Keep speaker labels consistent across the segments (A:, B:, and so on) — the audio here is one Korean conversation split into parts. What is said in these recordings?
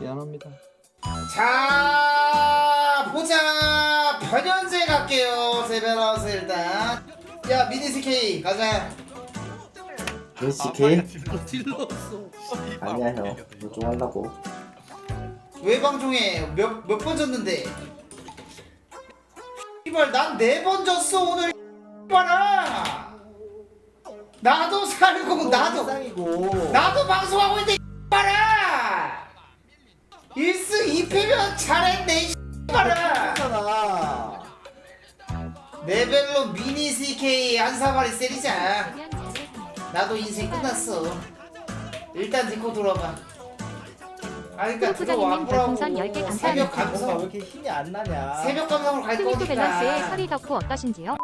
A: 미안합니다.
B: 자 보자. 변현재 갈게요. 세베라우스 일단. 야 미니 SK 가자.
C: NCK?
D: 찔렀어.
C: 아니야 형. 이거 좀 하려고.
B: 왜 방송해? 몇 번 졌는데? 이발 난 4번 졌어 오늘. 이발아. 나도 살고 나도 방송하고 있는데 이발아. 1승 2패면 잘했네 이발아. 레벨로 미니 CK 한 사마리 때리자. 나도 인생 끝났어. 일단 디코 돌아가. 아 그니까 들어와 보라고. 새벽
E: 왜
B: 감성.
E: 이렇게 힘이 안 나냐?
B: 새벽 감성으로 갈
F: 스위트 밸런스의
B: 거니까.
F: 서리 덕후 어떠신지요?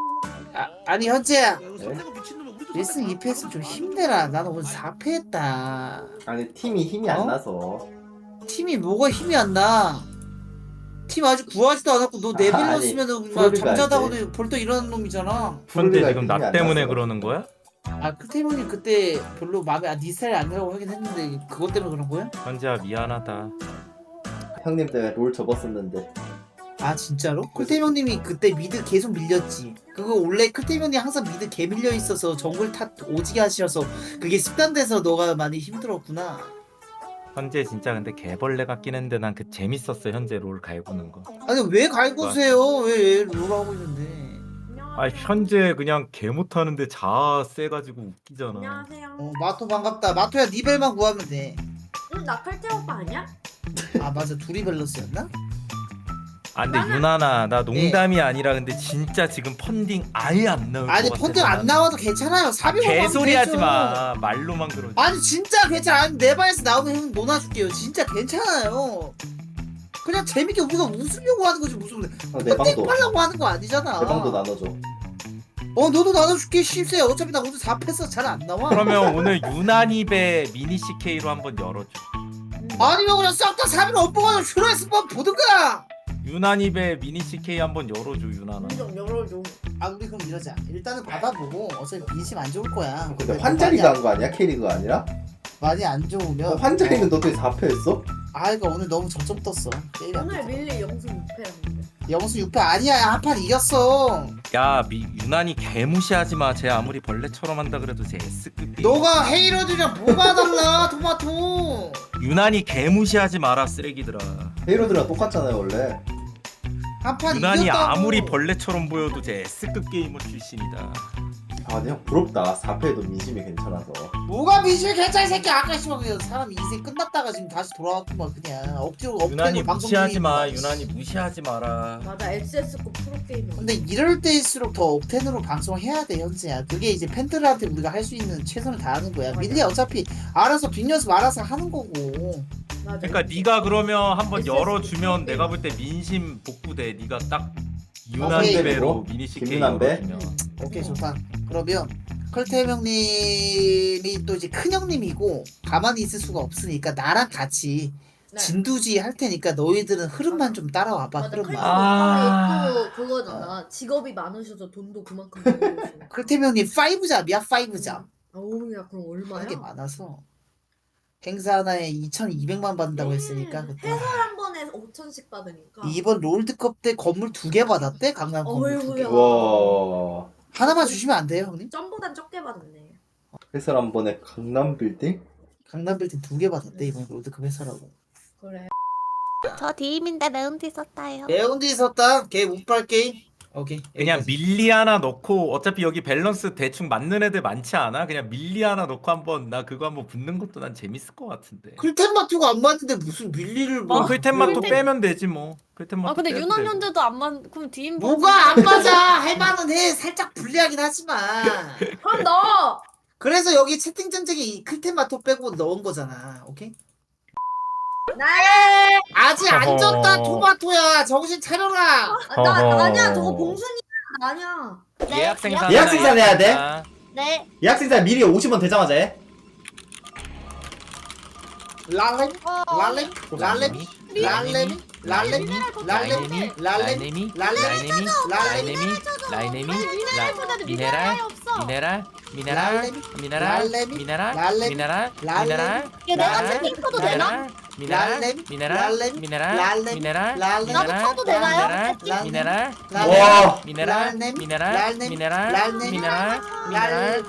B: 아니 현재야.
D: 손대고 미친놈아 우리도
B: 1승 2패 했으면 좀 힘내라. 나는 오늘 4패 했다.
C: 아니 팀이 힘이 안 나서.
B: 팀이 뭐가 힘이 안 나? 팀 아직 구하지도 않았고 너
C: 아니,
B: 레벨러쓰면은
C: 프로리가
B: 잠자다가 벌떡 일어나는 놈이잖아.
G: 현재
C: 프로리가
G: 지금
C: 힘이
G: 나
C: 안
G: 때문에
C: 나서.
G: 그러는 거야?
B: 아 크테형님 그때 별로 마음에 네 스타일이 안 들라고 하긴 했는데 그것 때문에 그런 거야?
G: 현재야 미안하다.
C: 형님 때문에 롤 접었었는데.
B: 아 진짜로? 클테형님이 그때 미드 계속 밀렸지. 그거 원래 클테형님 항상 미드 개 밀려 있어서 정글 탓 오지게 하셔서 그게 습관돼서 너가 많이 힘들었구나.
G: 현재 진짜 근데 개벌레 같긴 했는데 난 그 재밌었어. 현재 롤 갈구는 거.
B: 아니 왜 갈구세요? 왜 롤하고 있는데?
G: 아 현재 그냥 개 못하는데 자아 세가지고 웃기잖아.
H: 안녕하세요.
B: 마토 반갑다. 마토야 니 벨만 구하면 돼.
H: 응, 나 칼퇴 오빠 아니야?
B: 아 맞아 둘이 밸런스였나?
G: 아 근데 유나나 나 농담이 아니라 근데 진짜 지금 펀딩 아예 안 나올 것
B: 아니
G: 같아.
B: 펀딩 안 나와도 괜찮아요. 400원
G: 개소리 하지 마. 말로만 그러지.
B: 아니 진짜 괜찮아. 아니, 내 방에서 나오면 형 논아줄게요. 진짜 괜찮아요. 그냥 재밌게 우리가 웃으려고 하는 거지 무슨
C: 내 방도.
B: 펀딩 하려고 하는 거 아니잖아.
C: 내 방도 나눠줘.
B: 너도 나눠줄게. 쉽세. 어차피 나 오늘 4패서 잘 안 나와.
G: 그러면 오늘 유난입의 미니 CK로 한번 열어줘.
B: 아니면 그냥 싹 다 3일 업보가서 슈라이스 번 보든가.
G: 유난입의 미니 CK 한번 열어줘 유나나.
H: 좀 열어줘.
B: 아 우리 그럼 이러자. 일단은 받아보고 어차피 민심 안 좋을 거야.
C: 근데 환자리가 한 거 아니야? 캐리가 아니라?
B: 많이 안 좋으면
C: 환자리는 너도 4패 했어?
B: 아 그러니까 오늘 너무 저점 떴어. 게임이 안
H: 오늘
B: 돼서.
H: 밀리 영수 6패였는데.
B: 영수 6패 아니야. 한 판 이겼어.
G: 야 유난히 개 무시하지 마. 쟤 아무리 벌레처럼 한다 그래도 쟤 S급 게임.
B: 너가 헤이러들이랑 뭐가 달라 토마토.
G: 유난히 개 무시하지 마라 쓰레기들아.
C: 헤이로드랑 똑같잖아요 원래.
B: 한 판
G: 유난히
B: 이겼다고.
G: 아무리 벌레처럼 보여도 쟤 S급 게이머 출신이다.
C: 아 근데 형 부럽다. 4패도 민심이 괜찮아서.
B: 뭐가 미실 괜찮이 새끼. 아까 씨발 그냥 사람 인생 끝났다가 지금 다시 돌아왔구만. 그냥 억지로
G: 유난히
B: 업되고 방송
G: 무시하지 마.
B: 중이니까.
G: 유난히 무시하지 마라.
H: 맞아, XS급 프로게이머.
B: 근데 이럴 때일수록 더 억텐으로 방송해야 돼 현재야. 그게 이제 팬들한테 우리가 할 수 있는 최선을 다하는 거야. 밀리 어차피 알아서 뒷연습 알아서 하는 거고.
H: 맞아.
G: 그러니까 네가 그러면 한번
H: SS
G: 열어주면
H: 그
G: 내가 볼 때 민심 복구돼. 네가 딱
B: 오케이.
G: 유난배로 미니 CK
C: 김유난배?
G: 열어주면.
B: 오케이 좋다. 그러면 컬테 형님이 또 이제 큰 형님이고 가만히 있을 수가 없으니까 나랑 같이
H: 네.
B: 진두지 할 테니까 너희들은 흐름만 좀 따라와봐.
H: 맞아,
B: 흐름만.
H: 칼퇴
G: 아.
H: 오빠가 또 그거잖아. 직업이 많으셔서 돈도 그만큼 벌고 계시고.
B: 컬테 형님 5잡이야 5잡.
H: 어우, 야, 그럼 얼마야?
B: 하게 많아서 행사 하나에 2,200만 받는다고 했으니까 그때
H: 해설 한 번에 5천씩 받으니까.
B: 이번 롤드컵 때 건물 2개 받았대. 강남 건물 2개.
H: 어이구야.
C: 와.
B: 하나만 주시면 안 돼요 형님?
H: 점보단 적게 받았네.
C: 해설 한 번에 강남 빌딩?
B: 강남 빌딩 2개 받았대 이번 롤드컵 해설하고.
H: 그래.
F: 저 디임인데 매운티 썼다요.
B: 매운데 있었다. 걔 운빨 게임. 오케이.
G: 그냥
B: 여기까지.
G: 밀리 하나 넣고 어차피 여기 밸런스 대충 맞는 애들 많지 않아? 그냥 밀리 하나 넣고 한번 나 그거 한번 붙는 것도 난 재밌을 것 같은데.
B: 클템 마트가 안 맞는데 무슨 밀리를 뭐?
G: 클템만 또
F: 클템-
G: 빼면 되지 뭐. 클템만.
F: 아 근데
G: 빼면
F: 유난
G: 되고.
F: 현재도 안 맞. 그럼 디임
B: 뭐가 안 맞아. 할 만은 해. 살짝 불리하긴 하지만.
H: 그럼 너!
B: 그래서 여기 채팅 전쟁에 이 클템 마토 빼고 넣은 거잖아. 오케이?
H: 나야!
B: 아직 안
G: 어허.
B: 졌다 토마토야. 정신 차려라.
G: 어허.
H: 아니야, 저거 봉순이야. 아니야.
G: 예약 생산.
C: 예약 생산해야 돼?
F: 네.
C: 예약 생산 미리 50원 되자마자 해.
B: 랄렘 랄렘 랄렘 랄렘 랄렘 랄렘 랄렘 랄렘
G: 라이네미
F: 미네랄보다는
G: 미네랄
F: 없어.
G: 미네랄
B: 랄렘,
G: 미네랄
B: 랄렘이,
G: 미네랄
B: 랄렘이,
G: 미네랄
B: 랄렘이.
G: 미네랄
F: 야, 내가 채팅 쳐도 되나?
G: 미네랄
B: 랄렘,
G: 미네랄
B: 랄렘,
G: 미네랄
B: 랄렘,
G: 미네랄
B: 랄렘.
G: 미네랄
F: 나도 쳐도 되나요?
G: 미네랄
B: 랄렘,
G: 미네랄
C: 와.
G: 미네랄
B: 랄렘,
G: 미네랄
B: 랄렘,
G: 미네랄
B: 랄렘,
G: 미네랄 미네랄
B: 랄렘.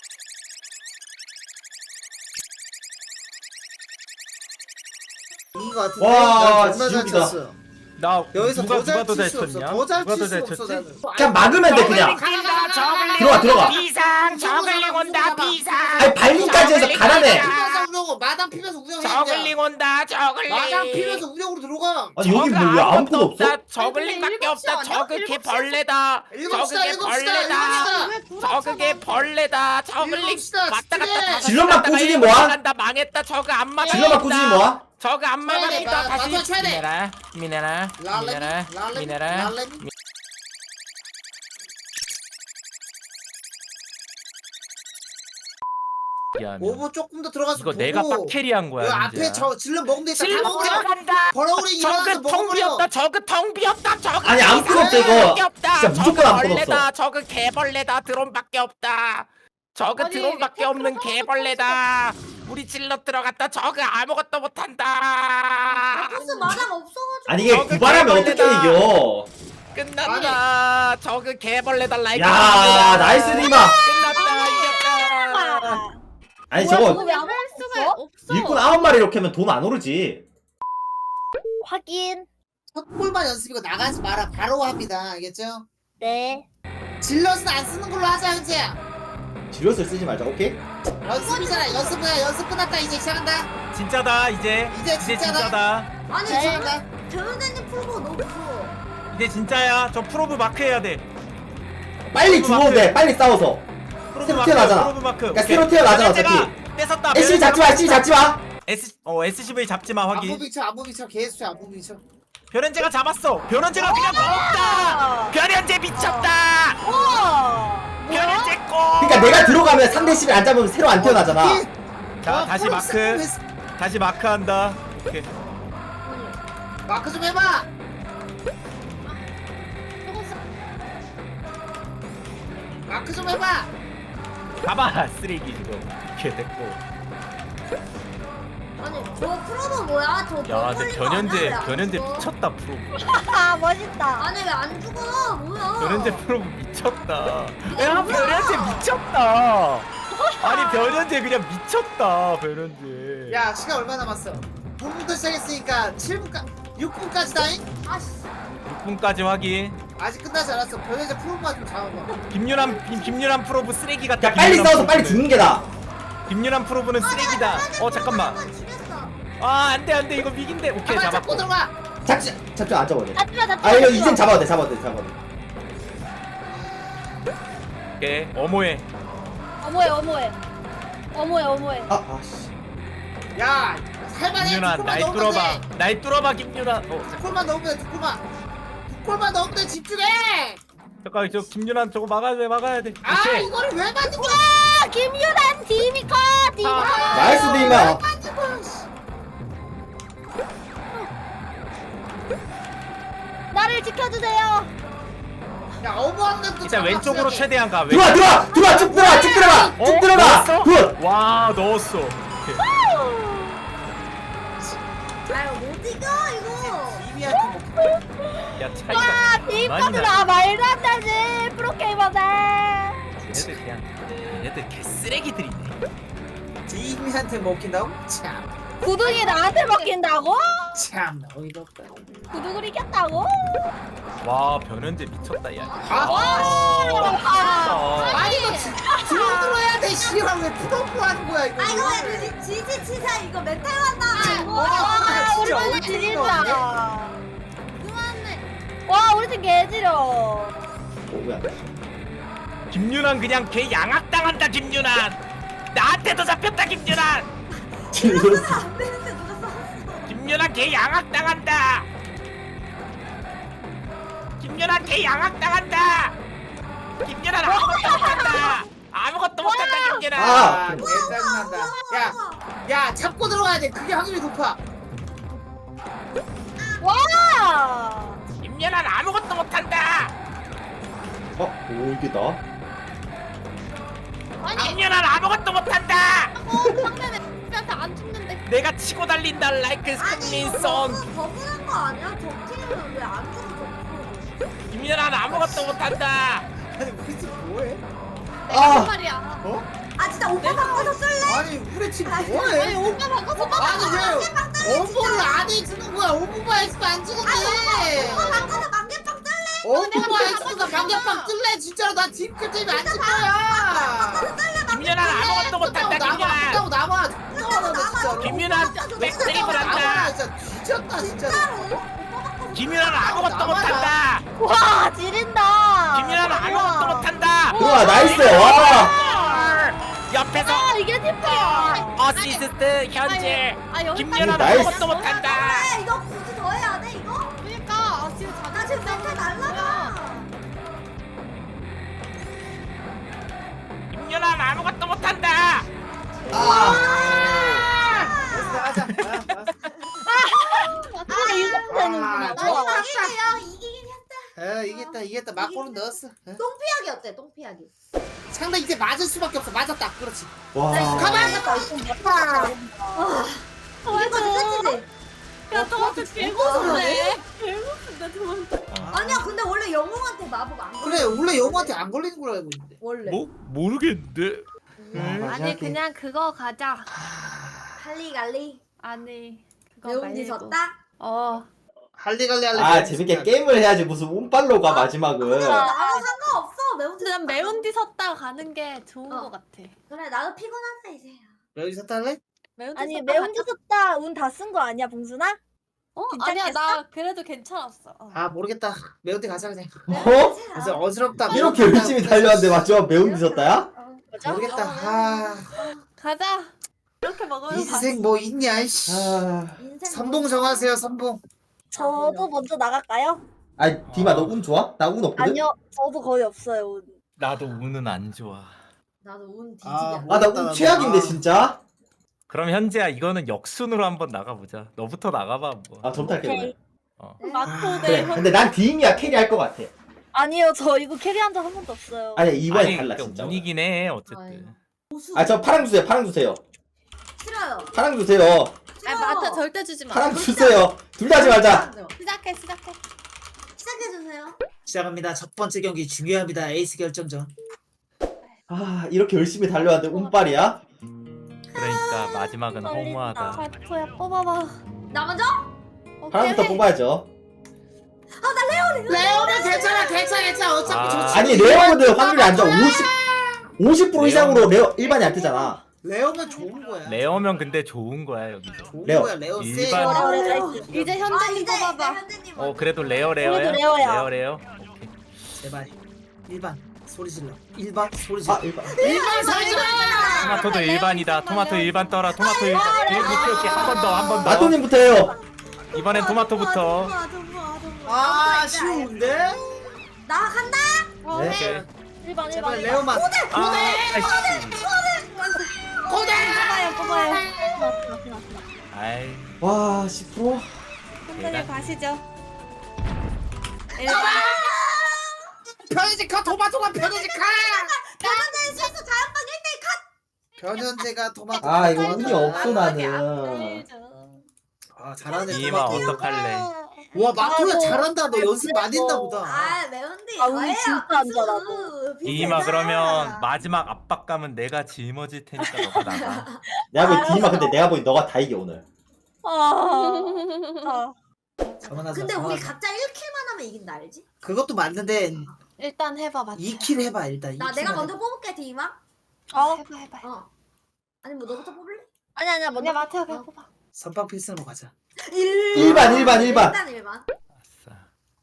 B: 이긴 것 같은데?
C: 와,
B: 난 존나 잘
C: 지옥이다.
B: 쳤어.
G: 나
B: 여기서
G: 누가
B: 더잘
G: 더 잘
B: 칠 수 없어.
G: 쳤냐?
B: 더잘
G: 누가
B: 칠
G: 더
B: 수
G: 잘
B: 없어
G: 쳤지?
B: 나는.
C: 그냥 막으면 돼 그냥. 들어가 들어가.
A: 비상 저글링 온다 비상.
C: 아니 발림까지 해서 가난해.
B: 피면서 운영, 마당 피면서 운영해.
A: 저글링 온다 저글링.
B: 마당 피면서 운영으로 들어가.
C: 아니 여기 뭐 왜 아무것도 없어?
A: 저글링밖에 없다. 저그 개 벌레다.
B: 일곱 시다,
A: 저그 개
B: 일곱 시다,
A: 벌레다.
B: 일곱 시다.
A: 저그 개 벌레다. 저글링
B: 일곱 시다,
A: 왔다 갔다
B: 집중해.
A: 다시
C: 질럿만
A: 갔다가
C: 꾸준히
A: 일곱
C: 모아.
A: 간다 망했다. 저그 안 맞아.
C: 질러만 꾸준히 모아.
A: 저그 안
B: 쳐야 돼,
A: 맞았다.
B: 맞춰
A: 다시
B: 쳐야 돼.
A: 미네랄 미네랄
B: 랄렘,
A: 미네랄
B: 랄렘,
A: 미네랄.
B: 랄렘.
G: 미안.
B: 오버 조금 더 들어가서
G: 이거
B: 보고.
G: 내가 빡캐리한 거야.
B: 그 앞에
G: 민재야.
B: 저 질러 먹으면 되겠다. 다
A: 질럿
B: 먹어.
A: 들어간다.
B: 버러우리 일어나서
A: 저그 텅
B: 먹어버려.
A: 비었다. 저그 텅 비었다. 저그
C: 아니, 안 끊었어, 이거. 진짜 무조건 안 끊었어.
A: 벌레다. 저그 개벌레다. 드론밖에 없다. 저그
F: 아니,
A: 드론밖에 없는
F: 탱크로
A: 개벌레다. 우리 질럿 들어갔다. 저그 아무것도 못한다.
H: 무슨 마당 없어가지고.
C: 아니 이게
A: 저그
C: 구발하면 어떻게
A: 개벌레다.
C: 이겨?
A: 끝났다. 저그 개벌레다. 라이프.
C: 야 나이스 리마.
A: 끝났다. 이겼다.
C: 아니
F: 뭐야,
C: 저거
F: 저거 왜안 할 수가 없어?
C: 일꾼 9마리 이렇게 하면 돈 안 오르지.
F: 확인.
B: 첫 골만 연습이고 나가지 마라. 바로 합니다. 알겠죠?
F: 네.
B: 질럿은 안 쓰는 걸로 하자 현재야.
C: 지료스 쓰지 말자. 오케이?
B: 연습이잖아. 연습이야. 연습 끝났다. 이제 시작한다.
G: 진짜다 이제.
B: 이제
G: 이제
B: 진짜다.
G: 진짜다.
H: 아니
F: 네.
H: 저는 변호사님 풀고 너무 무서워.
G: 이제 진짜야. 저 프로브 마크 해야 돼.
C: 빨리 죽어도 돼. 빨리 싸워서.
G: 프로브
C: 새로
G: 마크.
C: 태어나잖아.
G: 프로브 마크.
C: 그러니까
G: 오케이.
C: 새로 태어나잖아,
G: 제가
C: 어차피.
G: 뺏었다.
C: SCV 잡지 마. SCV 잡지 마.
G: SCV 잡지 마 확인.
B: 안무 비쳐. 안무 비쳐. 계속 쳐. 안무 비쳐.
G: 변현재가 잡았어. 변현재가 그냥 먹었다. 변현재 미쳤다.
F: 우와.
G: 변현재 거.
C: 그러니까 내가 들어가면 상대 10을 안 잡으면 새로 안 태어나잖아.
G: 자 다시 마크. 다시 마크한다. 오케이.
B: 마크 좀 해봐. 마크 좀 해봐.
G: 가봐 쓰레기 지금. 이렇게 됐고.
H: 아니 저 프로모 뭐야? 저
G: 야 근데 변현재 변현재
H: 미쳤.
G: 미쳤다 프로브.
F: 아 멋있다.
H: 아니 왜 안 죽어? 뭐야?
G: 변현재 프로브 미쳤다. 야 변현재 미쳤다. 아니 변현재 그냥 미쳤다 변현재.
B: 야 시간 얼마 남았어? 9분부터 시작했으니까 7분까 6분까지다잉?
H: 아씨.
G: 6분까지 확인.
B: 아직 끝나지 않았어. 변현재 프로만 좀 잡아봐.
G: 김유란 프로브 쓰레기 같다.
C: 야 빨리
G: 김유란
C: 싸워서 빨리
G: 프로브는.
C: 죽는 게 나아.
G: 김유란 프로브는 쓰레기다. 잠깐만.
H: 한번 죽였어.
G: 아 안돼 이거 위기인데. 오케이
B: 가만 잡고
G: 잡았고.
B: 들어가.
C: 잡지 안 잡아도 돼.
F: 잡지마
C: 아 이거 이젠 잡아도 돼. 잡아도 돼.
G: 오케이 어모해.
F: 어머해.
C: 아씨.
B: 야 살만해.
G: 김유란
B: 두
G: 날
B: 골만 넣으면
G: 뚫어봐.
B: 돼.
G: 날 뚫어봐 김유란.
B: 두 골만 넣으면 돼. 두 골만. 두 골만 넣으면 돼. 집중해.
G: 잠깐 저 김유란 저거 막아야 돼.
B: 아
G: 오케이.
B: 이거를 왜 만든 거야?
F: 아 김유란 디미커 디미커.
C: 나이스 리마.
B: 만든 거야? 씨.
F: 나를 지켜주세요.
B: 야 어머한 것도
G: 일단 왼쪽으로 최대한 가.
C: 들어와 쭉 들어가. 쭉 들어가.
G: 넣었어?
C: 굿.
G: 와 넣었어. 오케이.
H: 아유 못 이겨 이거.
B: 이미한테 뭐
G: 야 차이가
F: 아
G: 많이
F: 디미커들
G: 나.
F: 아 말도 안 되지 프로게이머들.
G: 얘네들 그냥 얘네들 개 쓰레기들이네.
B: 이미한테 먹힌다고? 참
F: 구둥이 나한테 먹힌다고?
B: 어이가 없다.
F: 구둥을 이겼다고?
G: 와 변현재 미쳤다 야.
F: 아,
B: 아니 이거 들어들어야 돼. 씨발 왜 푸덕푸 하는 거야 이거?
H: 아 이거 왜 지지 치사 이거 멘탈 왔다.
F: 와 우리
B: 진짜
F: 팀
B: 어이가
F: 지린다.
H: 그만해.
F: 와 우리 팀 개지려.
C: 뭐야?
G: 김유란 그냥 개 양악당한다 김유란. 나한테도 잡혔다 김유란.
C: 질렀어.
H: 안 되는데 누가 쐈어?
G: 김유란 개 양악당한다. 김유란 개 양악당한다. 김유란 아무것도 못한다. 아무것도 못한다 김유란.
C: 아.
B: 짜증난다. 야 잡고 들어가야 돼. 그게 확률이 높아.
F: 와.
G: 김유란 아무것도 못한다.
C: 오 이게 나?
F: 아니
G: 김유란 아무것도 못한다.
F: 상대 멤버한테 안 죽는데.
A: 내가 치고 달린다 라이크 승민송.
F: 버블한 거 아니야? 적팀은 왜안 죽어?
A: 김연아는 아무것도 못한다.
B: 아니 우리 팀 뭐해?
C: 아
F: 말이야.
B: 어?
F: 아 진짜 오빠 바꿔서 쓸래?
B: 아니 우리 팀 뭐해?
F: 아니 오빠 바꿔서
B: 아니 왜 오버를 안 해주는 거야? 오버바이스도 안 주는데.
F: 오빠 바꿔서 만개빵 쓸래?
B: 오버바이스가 방개빵 뜰래 진짜로 나 팀 끝이면 안 줄 거야.
A: 김연아는 아무것도 못한다. 김연아.
B: 끝나고 남아. 진짜로.
A: 김연아 백드립을 한다.
B: 남아 진짜 뒤졌다 진짜로.
A: 김연아는 아무것도 못한다.
F: 와 지린다.
A: 김연아는 아무것도 못한다.
C: 우와 나이스 와
A: 옆에서
F: 아 이게 팀플이야.
A: 어시스트 현재. 김연아는
C: 나이스.
A: 아무것도 못한다.
F: 아 이거 굳이 더 해야 돼 이거? 그러니까 나 지금 멘탈 날라가.
A: 김연아는 아무것도 못한다.
B: 하자.
F: 아 이거 되는구나.
B: 좋아.
F: 이기긴 했다.
B: 이겼다. 막고는 넣었어.
F: 똥피하기 어때? 똥피하기.
B: 상대 이제 맞을 수밖에 없어. 맞았다. 그렇지.
C: 와.
B: 가만.
F: 이거 끝이지?
H: 야 저한테 개고소네. 개고소인데 저한테.
F: 아니야 근데 원래 영웅한테 마법 안 걸려.
B: 그래 원래 영호한테 안 걸리는 걸로 알고 있는데.
F: 원래.
A: 모르겠는데.
H: 아니 그냥 그거 가자.
F: 할리갈리.
H: 아니 그거
F: 매운지
H: 말고.
F: 졌다?
B: 할리갈리 할래.
C: 아 재밌게 게임을 해야지 무슨 운빨로가 마지막은
F: 아무 상관없어. 매운지
H: 그냥
F: 졌다.
H: 매운 뒤 섰다 가는 게 좋은
F: 어.
H: 것 같아.
F: 그래 나도 피곤하다 이제.
B: 여기서 탈래?
H: 매운 뒤
F: 아니
H: 섰다
F: 매운지
H: 가자.
F: 섰다 운 다 쓴 거 아니야 봉순아?
H: 아니야
F: 괜찮겠어?
H: 나 그래도 괜찮았어.
B: 아 모르겠다. 매운데 가자 그냥.
C: 어?
B: 그래서 어지럽다.
C: 이렇게 열심히 달려왔는데 마지막 매운 뒤졌다야?
B: 모르겠다. 아
H: 가자. 이렇게 먹으면
B: 인생 뭐 있냐 이씨.
C: 아...
B: 선봉 정하세요 선봉.
F: 저도 먼저 나갈까요?
C: 아니 디마 너 운 좋아? 나 운 없거든?
F: 아니요 저도 거의 없어요 운.
G: 나도 운은 안 좋아.
F: 나도 운 뒤지게.
B: 아,
C: 아 나 운 최악인데 진짜?
G: 그럼 현재야 이거는 역순으로 한번 나가보자. 너부터 나가봐 뭐.
C: 아 점탈게
F: 오케이.
C: 오늘
H: 마토
C: 그래
H: 대
C: 근데 난 디임이야 캐리 할 것 같아
F: 아니요 저 이거 캐리한 적 한 번도 없어요.
C: 아니 이번에
G: 아니,
C: 달라
G: 그러니까
C: 진짜
G: 운이긴 해 어쨌든.
C: 아 저 파랑 주세요 파랑 주세요
F: 싫어요.
C: 파랑 주세요
H: 아니 마토 절대 주지 마.
C: 파랑 주세요 둘 다 하지 말자
H: 시작해.
F: 시작해주세요.
B: 시작합니다. 첫 번째 경기 중요합니다. 에이스 결정전.
C: 아 이렇게 열심히 달려왔는데 운빨이야?
G: 그러니까 마지막은
F: 떨린다.
G: 허무하다.
H: 마토야 뽑아봐.
F: 나 먼저?
C: 파랑부터 뽑아야죠
B: 레오는 괜찮아. 어차피
G: 아.
B: 좋지.
C: 아니 레어는 확률이 안 좋아 50% 이상으로 레어 일반이 안 뜨잖아
B: 레오는 좋은 거야.
G: 레어면 근데 좋은 거야 여기서.
B: 좋은
C: 레오.
B: 거야. 레오 세.
G: 일반-
H: 이제 현재님 뽑아봐.
F: 현재님
G: 그래도 레어야?
F: 그래도 레어야.
G: 레어.
B: 제발. 일반 소리 질러. 일반 소리 질러.
C: 아 일반
B: 일반 소리 질러.
G: 토마토도 일반이다. 토마토 일반 떠라. 토마토 일반. 오케이 한 번 더.
C: 마토님부터 해요
G: 이번엔 토마토부터.
B: 아 쉬운데?
F: 나 간다.
C: 네.
G: 오케이.
F: 1번
B: 제발 레오만.
G: 아, 아이씨.
F: 뽑아요.
G: 아이.
C: 와 10%?
H: 현재님 가시죠.
B: 변현재카 토마토가 변현재카.
F: 변현재 실수 자연방 1대1 컷.
B: 변현재가 토마토.
C: 아 이거 운이 없어 나는
B: 아 잘하네.
G: 이마
B: 토마토.
G: 어떡할래?
B: 와 마토야 잘한다. 너 연습 많이 했나 보다.
F: 아 매운디.
H: 아, 운이 진짜 안 좋아,
G: 이마 그러면 마지막 압박감은 내가 짊어질 테니까 너가 나가.
C: 내가 보기 디마 근데 내가 보기 너가 다 이겨 오늘
B: 그만하자.
F: 근데 우리
B: 그만하자.
F: 각자 1킬만 하면 이긴다 알지?
B: 그것도 맞는데
H: 일단 해봐 마토.
B: 2킬 해봐 일단.
F: 나
B: 2킬
F: 내가
B: 해봐.
F: 먼저 뽑을게 디마.
H: 해봐.
F: 아니 뭐 너부터 뽑을래? 아니야
H: 그냥 마토야 그냥 뽑아.
B: 선빵 필승으로 가자.
C: 1반.
F: 일단 1번.
G: 아싸.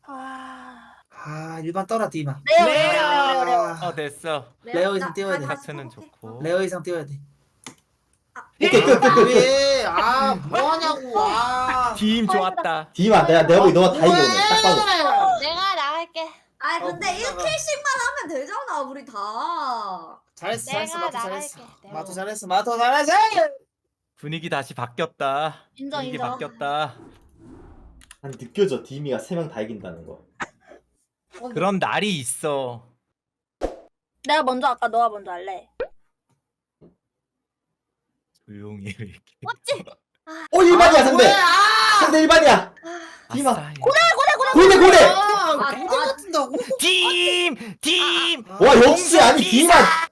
B: 아 일반 떠라 디마.
G: 레어. 됐어.
B: 레오 이상 띄워야 돼.
G: 하트는 좋고.
B: 레오 이상 띄워야 돼.
C: 오케이 끝
B: 왜? 아 뭐하냐고. 아.
G: 팀 좋았다.
C: 디마 내가 보기 너가 다 이겨 오늘 딱 봐도
H: 내가 나갈게.
F: 아 근데
B: 뭔가가.
F: 1킬씩만 하면 되잖아 우리 다.
B: 잘했어
H: 내가
B: 마토 잘했어.
H: 나갈게,
B: 마토
H: 내가.
B: 잘했어. 마토 잘했어.
G: 분위기 다시 바뀌었다.
F: 인정,
G: 분위기
F: 인정.
G: 바뀌었다.
C: 난 느껴져 디미가 3명 다 이긴다는 거
G: 그런 날이 있어.
F: 내가 먼저 할까? 너가 먼저 할래?
G: 조용히 해, 이렇게.
H: 맞지?
C: 1반이야 상대. 상대 1반이야. 디마. 고대.
B: 아, 고대 같은다고?
G: 팀.
C: 와 역시 아니 디마.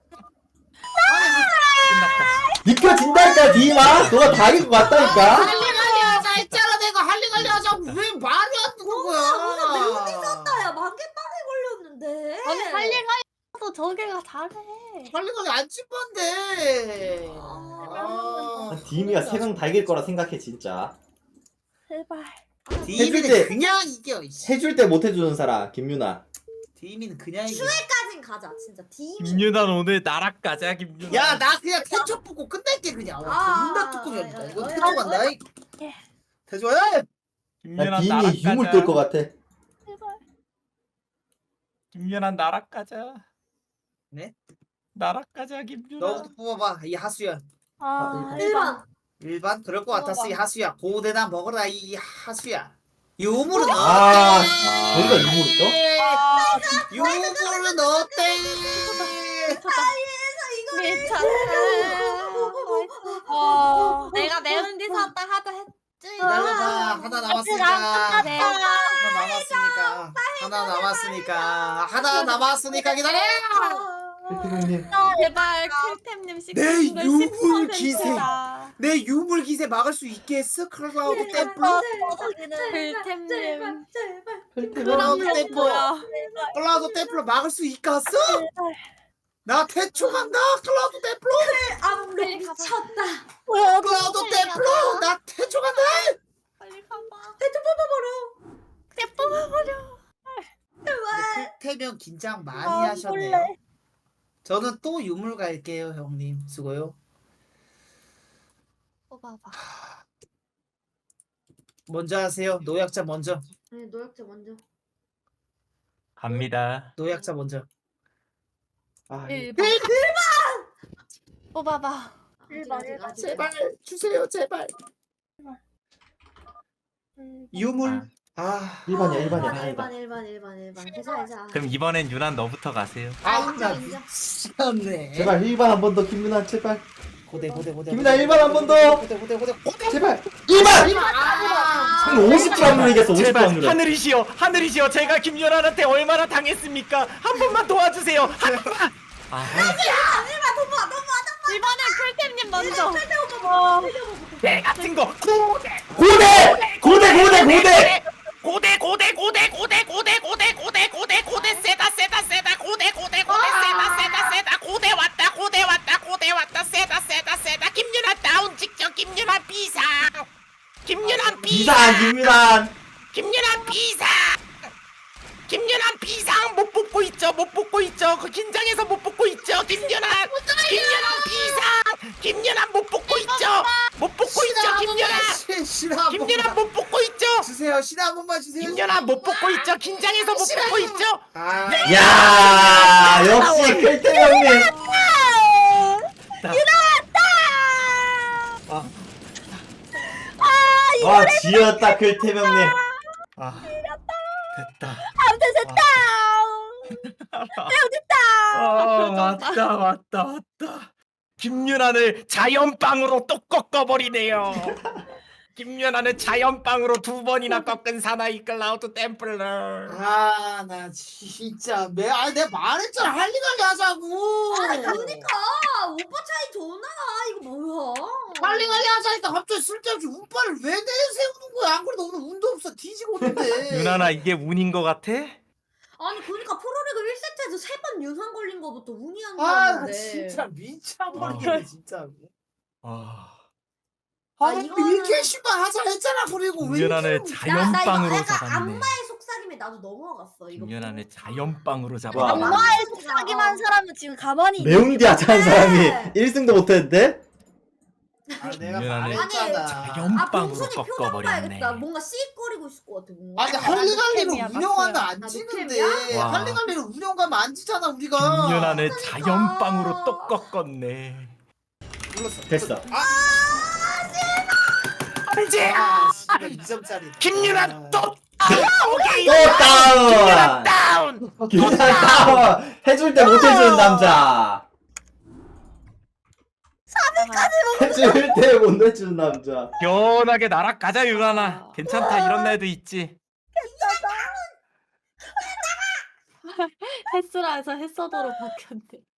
G: 끝났다.
C: 느껴진다니까 디마. 너가 다 이길 것 같다니까.
B: 할리갈리 하자 했잖아 내가. 할리갈리 하자고 왜 말이 안 되는
F: 무슨
B: 거야?
F: 매운이 썼다 야 만개빵에 걸렸는데
E: 아니 할리갈리도 저기가 잘해.
B: 할리갈리 안 찐건데.
C: 디미가 3명 다 이길 거라 생각해 진짜.
E: 제발.
B: 디미는
C: 해줄 때-
B: 그냥 이겨. 이씨.
C: 해줄 때 못 해주는 사람 김유나.
B: 디미는 그냥 이겨.
F: 슈에까진 가자 진짜 디미
G: 김윤환 오늘 나락 가자 김윤환.
B: 야 나 그냥 태초 뽑고 끝낼게 그냥. 존나 뚜껑이야. 이거 태초 간다. 태초야.
C: 나
G: 김윤환 나락
C: 디미 유물
G: 가자.
C: 뜰 것 같아.
E: 제발.
G: 김윤환 나락 가자.
B: 네?
G: 나락 가자 김윤환.
B: 너부터 뽑아봐. 이 하수야.
E: 아
F: 1번
B: 일반 그럴 것 같았어. 이 하수야. 고대나 먹어라 이 하수야. 유물은
C: 아,
B: 어때?
C: 저기가 유물 있어?
B: 유물은 어때?
E: 내가 매운 뒤 샀다 하다 했지.
B: 기다려봐. 하나 남았으니까. 하나 남았으니까 기다려.
C: 클템형님.
E: 제발 클템님
B: 내
E: 시키는
B: 유물
E: 10%다.
B: 기세. 내 유물 기세 막을 수 있겠어? 클라우드 템플.
E: 클템님.
F: 제발
B: 클라우드 템플.
E: 뭐야?
B: 클라우드 템플 막을 수 있겠어? 나 태초 간다. 클라우드 템플.
F: 아무로 미쳤다
B: 클라우드 템플. 나 태초 간다.
E: 빨리 가봐.
F: 대충 뽑아버려
E: 내 뽑아버려.
B: 태명 긴장 많이
E: 아,
B: 하셨네요.
E: 몰래.
B: 저는 또 유물 갈게요, 형님. 수고요.
E: 뽑아봐.
B: 먼저 하세요. 노약자 먼저.
F: 네 노약자 먼저
G: 갑니다.
B: 노약자 먼저.
C: 아,
E: 1번. 뽑아봐.
F: 아직.
B: 제발 주세요, 제발. 유물. 아,
C: 1번이야 1번이야
F: 1번
C: 다행이다.
F: 1번 괜찮아
G: 그럼 이번엔 윤환 너부터 가세요.
B: 나
F: 인정.
B: 미쳤네.
C: 제발 1번 한 번 더 김유나 제발.
B: 고대.
C: 김민아, 1번 한번 더.
B: 고대.
C: 제발 2번!
B: 아,
C: 50% 확률 이겼어 50%
G: 제발
C: 확률.
G: 하늘이시여 제가 김윤환한테 얼마나 당했습니까? 한 번만 도와주세요. 한 번만.
E: 이번엔 클템님 먼저.
G: 배 같은 거. 고대 세다 세다 김윤환 다운 직전 김윤환 비상 김윤환
C: 이상 김유나.
G: 김윤환 비상 못 뽑고 있죠 그 긴장해서 못 뽑고 있죠 김윤환 김윤환 못 뽑고 있죠 김윤환 못 뽑고 있죠
B: 주세요. 신화 한 번만 주세요.
G: 김윤환 못 뽑고 있죠 긴장해서 못 뽑고 있죠
B: 아,
C: 야 역시 클템형님. 와 지렸다 클템형님.
G: 됐다
E: 됐다.
G: 왔다 김윤환을 자연빵으로 또 꺾어버리네요 김윤환을 자연빵으로 2번이나 꺾은 사나이 클라우드 템플러
B: 아, 나 진짜 내가 말했잖아. 할리갈리 하자고.
F: 그러니까 오빠 차이 존나 이거 뭐야
B: 할리갈리 하자니까 갑자기 쓸데없이 운빨을 왜 내세우는 거야? 안 그래도 오늘 운도 없어. 뒤지고 있는데.
G: 윤환아 이게 운인 거 같아?
F: 아니 그러니까 프로리그 1세트에서 3번 윤상 걸린 거부터 운이 안
B: 아, 나
F: 나는데
B: 진짜 미쳐버리겠네, 진짜.
F: 이거는-
B: 이렇게 씨발 하자 했잖아. 그리고 왜
G: 김윤환을
B: 이렇게
G: 자연빵으로
F: 약간
G: 잡았네
F: 악마의 속삭임에 나도 넘어갔어 이거
G: 김윤환을 자연빵으로
C: 와.
G: 잡았네
E: 엄마의 속삭임한 사람은 지금 가만히 있는
C: 매운디 하자는 사람이
F: 네.
C: 1승도 못했는데?
B: 아, 내가
G: 김윤환을
B: 말했잖아.
G: 자연빵으로
F: 봉순이 표정
G: 꺾어버렸네
F: 봐야겠다 뭔가 씩거리고 있을 것 같아 뭔가
B: 아니 할리갈리를
E: 템이야,
B: 운영하면
E: 맞어요.
B: 안
F: 아,
B: 지는데
F: 템이야?
G: 와.
B: 할리갈리를 운영하면 안 지잖아 우리가.
G: 김윤환을 자연빵으로 또 꺾었네
C: 됐어.
G: 이제
B: 아, 씨발 2점짜리.
G: 김윤환 또
C: 또 다운!
G: 다운
C: 김유나 다운! 해줄 때 못 해주는 남자.
E: 까지
C: 해줄 때 못 내주는 남자.
G: 시원하게 나락 가자 유란아. 괜찮다 이런 날도 있지.
E: 햇수라에서 햇서도로 바뀌었네.